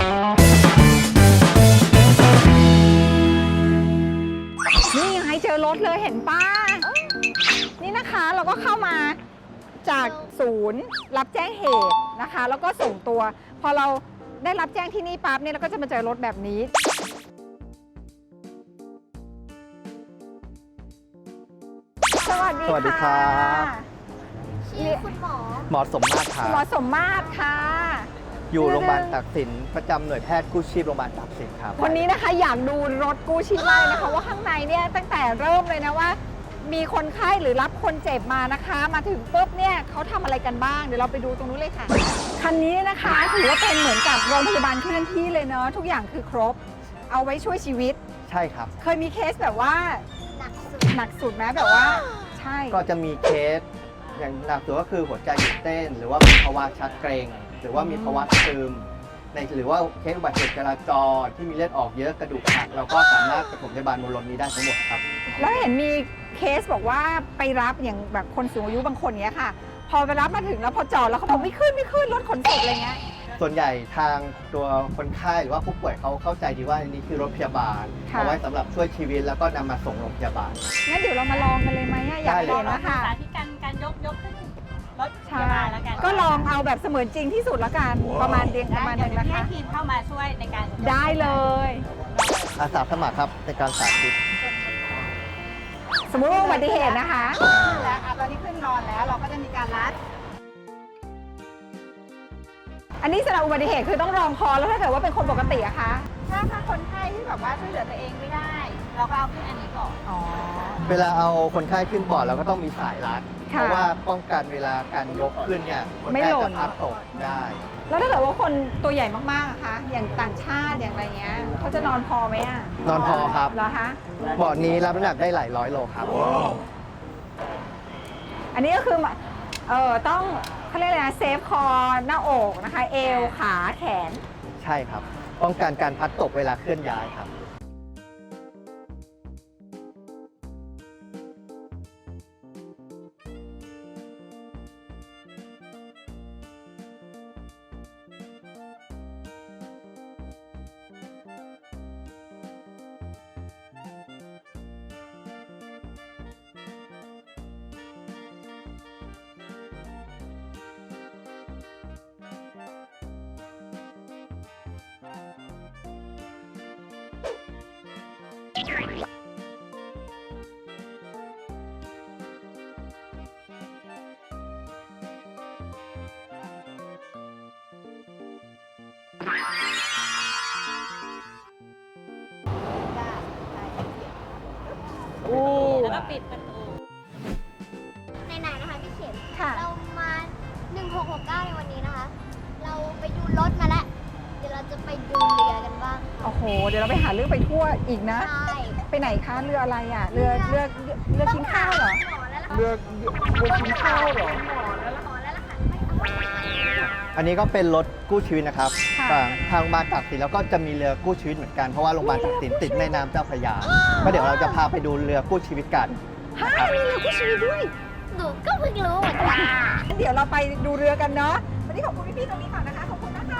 นี่ไงเจอรถเลยเห็นป้านี่นะคะเราก็เข้ามาจากศูนย์รับแจ้งเหตุนะคะแล้วก็ส่งตัวพอเราได้รับแจ้งที่นี่ปั๊บเนี่ยเราก็จะมาเจอรถแบบนี้สวัสดีค่ะชื่อคุณหมอหมอสมมาตรครับหมอสมมาตรค่ะอยู่โรงพยาบาลตากสินประจำหน่วยแพทย์กู้ชีพโรงพยาบาลตากสินครับวันนี้นะคะอยากดูรถกู้ชีพมากเลยนะคะว่าข้างในเนี่ยตั้งแต่เริ่มเลยนะว่ามีคนไข้หรือรับคนเจ็บมานะคะมาถึงปุ๊บเนี่ยเขาทำอะไรกันบ้างเดี๋ยวเราไปดูตรงนู้นเลยค่ะคันนี้นะคะถือว่าเป็นเหมือนกับโรงพยาบาลเคลื่อนที่เลยเนาะทุกอย่างคือครบเอาไว้ช่วยชีวิตใช่ครับเคยมีเคสแบบว่าหนักสุดหนักสุดไหมแบบว่าใช่ก็จะมีเคสอย่างหนักสุดก็คือหัวใจหยุดเต้น หรือว่ามีภาวะชักเกร็งหรือว่ามีภาวะซึมหรือว่าเคสอุบัติเหตุจราจรที่มีเลือดออกเยอะกระดูกหักเราก็สามารถปฐมพยาบาลบนรถนี้ได้ทั้งหมดครับแล้วเห็นมีเคสบอกว่าไปรับอย่างแบบคนสูงอายุบางคนเนี้ยค่ะ พอไปรับมาถึงแล้วพอจอดแล้วเขาบอกไม่ขึ้นรถขนศพอะไรเงี้ยส่วนใหญ่ทางตัวคนไข้หรือว่าผู้ป่วยเขาเข้าใจดีว่านี่คือรถพยาบาลค่ะเอาไว้สำหรับช่วยชีวิตแล้วก็นำมาส่งโรงพยาบาลงั้นเดี๋ยวเรามาลองกันเลยไหมอะอยากได้เลยเห็นนะคะสาธิตการยกขึ้นรถพใช่ยาบาลแล้วกันก็ลองเอาแบบเสมือนจริงที่สุดละกันประมาณเดียงประมาณเดี๋นึยวงนะให้คะทีมเข้ามาช่วยในการยกได้เลยอาสาสมัครครับในการสาธิตสมมุติว่าอุบัติเหตุนะคะแล้วตอนนี้ขึ้นนอนแล้วเราก็จะมีการรัดอันนี้สำหรับอุบัติเหตุคือต้องรองคอแล้วถ้าเกิดว่าเป็นคนปกติอะคะถ้าคนไข้ที่แบบว่าช่วยเหลือตัวเองไม่ได้ เราก็เอาขึ้นอันนี้ก่อนอ๋อเวลาเอาคนไข้ขึ้นบอร์ดเราก็ต้องมีสายรัดค่ะเพราะว่าป้องกันเวลาการยกขึ้นเนี่ยคนไม่ไข้หล่จะนพลัดตกได้แล้วถ้าเกิดว่าคนตัวใหญ่มากๆอะคะอย่างต่างชาติอย่างอะไรเงี้ยเขาจะนอนพอไหมอะนอนพอครับเหรอคะบอร์ดนี้รับน้ำหนักได้หลายร้อยโลครับอันนี้ก็คือต้องเขาเรียกอะไรนะเซฟคอหน้าอกนะคะ เอวขาแขนใช่ครับ ป้องกันการพลัดตกเวลาเคลื่อนย้ายครับแล้วก็ปิดประตูไหนๆนะคะพี่เข็มค่ะเรามา 1669 ในวันนี้นะคะ เราไปดูรถมาแล้ว เดี๋ยวเราจะไปดูเรือกันบ้างค่ะโอ้โห เดี๋ยวเราไปหาเรื่องไปทั่วอีกนะใช่ไปไหนคะ เรืออะไรอ่ะ เรือกินข้าวเหรอหมอแล้วล่ะเรือกินข้าวเหรอหมอแล้วล่ะค่ะไม่เอาอันนี้ก็เป็นรถกู้ชีวิตนะครับค่ะทางโรงพยาบาลตากสินแล้วก็จะมีเรือกู้ชีวิตเหมือนกันเพราะว่าโรงพยาบาลตากสินติดแม่น้ำเจ้าพระยาก็เดี๋ยวเราจะพาไปดูเรือกู้ชีวิตกันฮะมีเรือกู้ชีวิตด้วยหนูก็เพิ่งรู้เหมือนกันงั้นเดี๋ยวเราไปดูเรือกันเนาะ วันนี้ขอบคุณพี่ๆตรงนี้ก่อนนะคะ ขอบคุณนะคะ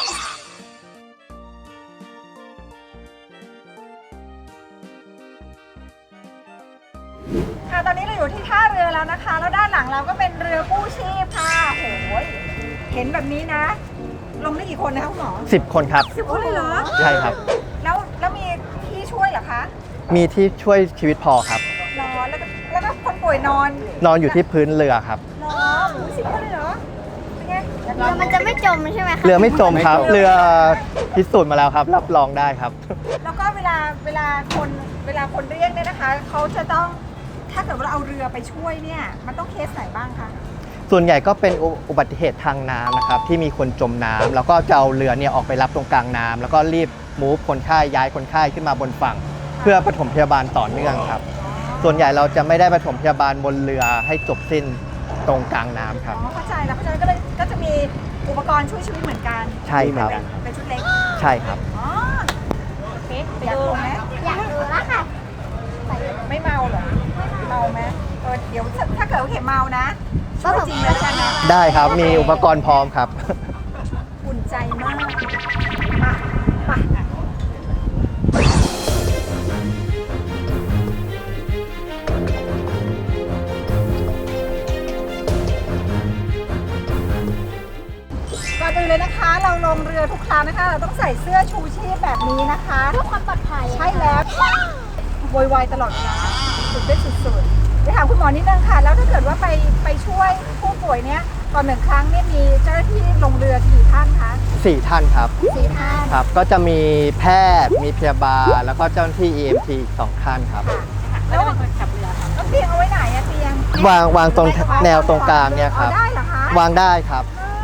ค่ะ ตอนนี้เราอยู่ที่ท่าเรือแล้วนะคะ แล้วด้านหลังเราก็เป็นเรือกู้ชีพค่ะโอ้ยเห็นแบบนี้นะ ลงได้กี่คนนะคะคุณหมอ 10 คนครับ 10 คนเลยเหรอใช่ครับแล้วมีที่ช่วยเหรอคะมีที่ช่วยชีวิตพอครับรอแล้วก็คนป่วยนอนนอนอยู่ที่พื้นเรือครับรอโอ้ย10 คนเลยเหรอ เป็นไงเรือมันจะไม่จมใช่ไหมคะเรือไม่จมครับ เรือพิสูจน์มาแล้วครับ รับรองได้ครับแล้วก็เวลาคนเรียกเนี่ยนะคะ เขาจะต้องถ้าเกิดว่าเราเอาเรือไปช่วยเนี่ย มันต้องเคสไหนบ้างคะส่วนใหญ่ก็เป็นอุบัติเหตุทางน้ำนะครับที่มีคนจมน้ำแล้วก็จะเอาเรือเนี่ยออกไปรับตรงกลางน้ำแล้วก็รีบมูฟคนไข้ย้ายคนไข้ขึ้นมาบนฝั่ง เพื่อปฐมพยาบาลต่อเนื่องครับ ส่วนใหญ่เราจะไม่ได้ปฐมพยาบาลบนเรือให้จบสิ้นตรงกลางน้ำครับอ๋อเข้าใจแล้วเพราะฉะนั้นก็จะมีอุปกรณ์ช่วยชีวิตเหมือนกันใช่ครับเป็นชุดเล็กใช่ครับอ๋อโอเคไปดูไหมอยากดูแล้วค่ะไม่เมาเหรอเมาไหมเดี๋ยวถ้าเกิดว่าเข็มเมานะช่วยจริงเลยแล้วกันนะได้ครับมีอุปกรณ์พร้อมครับอุ่นใจมากก่อนอื่นเลยนะคะ เราลงเรือทุกครั้งนะคะ เราต้องใส่เสื้อชูชีพแบบนี้นะคะเพื่อความปลอดภัยใช่แล้วโวยวายตลอดเวลาสุดได้สุดๆไปถามคุณหมอนิดนึงค่ะ แล้วถ้าเกิดว่าไปช่วยผู้ป่วยเนี้ยก่อนหนึ่งครั้งเนี่ยมีเจ้าหน้าที่ลงเรือกี่ท่านคะ 4 ท่านครับ 4 ท่านครับ ก็จะมีแพทย์ มีพยาบาล แล้วก็เจ้าหน้าที่ EMT อีก2ท่านครับแล้วเป็นคนขับเรือแล้วเตียงเอาไว้ไหนอะเตียงวางตรงแนวตรงกลางเนี่ยครับอาได้เหรอคะวางได้ครับ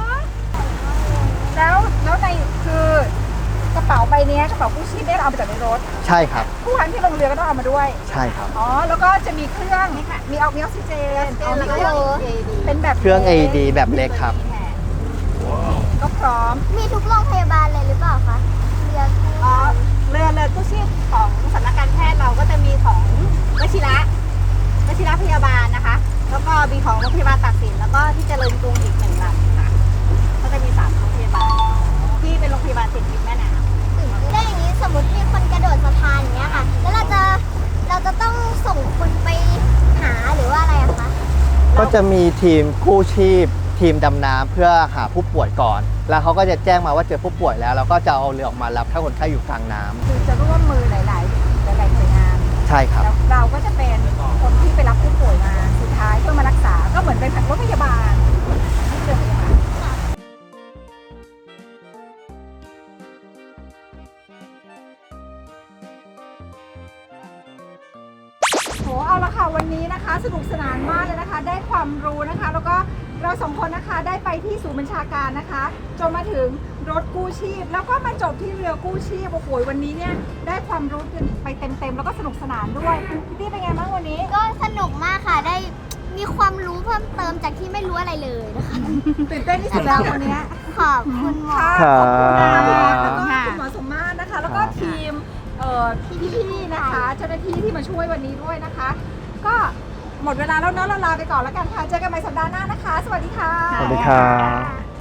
แล้วในคือกระเป๋าใบเนี้ยกระเป๋ากู้ชีพเนี่ยเราเอามาจากในรถใช่ครับผู้พันที่ลงเรือก็ต้องเอามาด้วยใช่ครับอ๋อ แล้วก็จะมีเครื่องมีออกซิเจนแล้วก็เป็นแบบเครื่อง AED แบบเล็กครับก็พร้อมมีทุกโรงพยาบาลเลยหรือเปล่าคะเรือกู้อ๋อเรือกู้ชีพของสำนักการแพทย์เราก็จะมีของวชิระพยาบาลนะคะ แล้วก็มีของโรงพยาบาลตากสินแล้วก็ที่เจริญกรุงอีก1 ลำค่ะก็จะมี3โรงพยาบาลที่เป็นโรงพยาบาลติดริมแม่น้ำแล้วอย่างนี้สมมติมีคนกระโดดสะพานอย่างเงี้ยค่ะ แล้วเราจะต้องส่งคนไปหาหรือว่าอะไรอะคะก็จะมีทีมกู้ชีพ ทีมดำน้ำเพื่อหาผู้ป่วยก่อน แล้วเขาก็จะแจ้งมาว่าเจอผู้ป่วยแล้ว แล้วก็จะเอาเรือออกมารับถ้าคนไข้อยู่กลางน้ำคือจะร่วมมือหลายหน่วยงานใช่ครับแล้วเราก็จะเป็นคนที่ไปรับผู้ป่วยมาสุดท้ายเพื่อมารักษา ก็เหมือนเป็นรถพยาบาลที่เรือพยาบาลโหเอาละค่ะวันนี้นะคะ สนุกสนานมากเลยนะคะ ได้ความรู้นะคะ แล้วก็เราสองคนนะคะได้ไปที่ศูนย์บัญชาการนะคะจนมาถึงรถกู้ชีพ แล้วก็มาจบที่เรือกู้ชีพโอ้โหวันนี้เนี่ยได้ความรู้กันไปเต็มๆแล้วก็สนุกสนานด้วยพี่ตี้เป็นไงบ้างวันนี้ก็สนุกมากค่ะ ได้มีความรู้เพิ่มเติมจากที่ไม่รู้อะไรเลยนะคะตื่นเต้นที่สุดแล้ววันนี้ขอบคุณหมอค่ะครับขอบคุณค่ะครับแล้วก็คุณหมอสมมาตรนะคะ แล้วก็ทีมพี่ๆนะคะ เจ้าหน้าที่ที่มาช่วยวันนี้ด้วยนะคะ ก็หมดเวลาแล้วเนาะเราลาไปก่อนแล้วกันค่ะ เจอกันใหม่สัปดาห์หน้านะคะ สวัสดีค่ะสวัสดีครับ